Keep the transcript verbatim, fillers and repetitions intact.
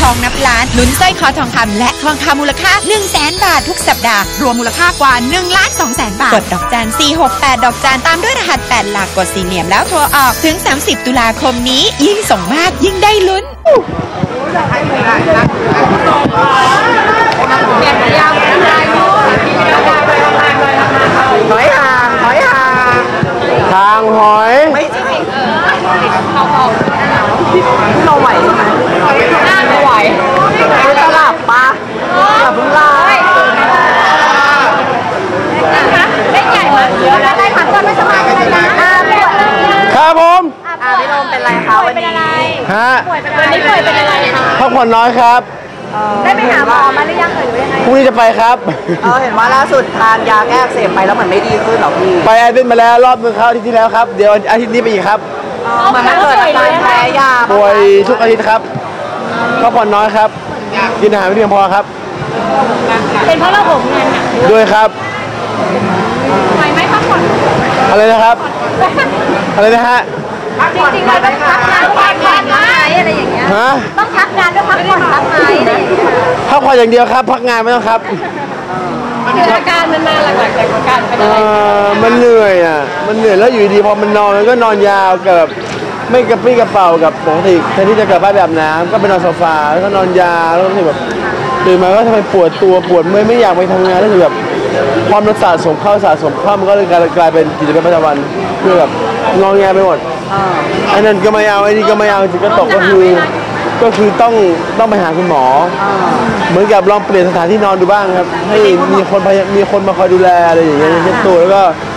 องนับล้านลุ้นสร้อยคอทองคำและทองคำมูลค่า หนึ่งแสน บาททุกสัปดาห์รวมมูลค่ากว่า หนึ่งล้านสองแสน บาทกดดอกจันสี่หกแปดดอกจันตามด้วยรหัสแปดหลักกดสีเหลี่ยมแล้วโทรออกถึงสามสิบตุลาคมนี้ยิ่งส่งมากยิ่งได้ลุ้นหอยห่างหอยห่างทางหอยไม่ใช่เราไหวไหมไม่ไหวไม่ตลับปะตลับพึ่งลายเล่นใหญ่มาเยอะนะได้ผักก่อนไม่สบายเลยนะครับผมอ่าพี่โดมเป็นไรคะวันนี้ฮะวันนี้ป่วยเป็นอะไรคะพักผ่อนน้อยครับได้ไปหาหมอมาหรือยังเอ่ยหรือยังไงพรุ่งนี้จะไปครับเออเห็นว่าล่าสุดทานยาแก้อักเสบไปแล้วเหมือนไม่ดีขึ้นหรอพี่ไปแอดมิทมาแล้วรอบนึงครับอาทิตย์ที่แล้วครับเดี๋ยวอาทิตย์นี้ไปอีกครับมันไม่เกิดอาการแพ้ยาป่วยทุกอาทิตย์ครับพักผ่อนน้อยครับกินอาหารไม่เพียงพอครับเป็นเพราะเราผมงานหนักด้วยครับไหวไหมพักผ่อนอะไรนะครับอะไรนะฮะจริงๆเราต้องพักงานพักงานไหมอะไรอย่างเงี้ยฮะต้องพักงานด้วยพักผ่อนพักไหมอะไรอย่างเงี้ยพักผ่อนอย่างเดียวครับพักงานไม่ต้องครับคืออาการมันมาหลักๆจากอาการเป็นอะไรมันเหนื่อยอ่ะมันเหนื่อยแล้วอยู่ดีพอมันนอนมันก็นอนยาวกับไม่กระปรี้กระเป๋ากับปกติแทนที่จะกลับบ้านแบบน้ำก็ไปนอนโซฟาแล้วก็นอนยาวแล้วก็แบบตื่นมาก็ทำไมปวดตัวปวดเมื่อยไม่อยากไปทำงานแล้วคือแบบความมันสะสมเข้าสะสมเข้ามันก็เลยกลายเป็นกิจวัตรประจำวันคือแบบงองแงไปหมดอันนั้นก็ไม่เอาไอ้นี่ก็ไม่เอาจิตก็ตกก็คือก็คือต้องต้องไปหาคุณหมอเหมือนกับลองเปลี่ยนสถานที่นอนดูบ้างครับให้มีคนมีคนมาคอยดูแลอะไรอย่างเงี้ยเช็ดตัวแล้วก็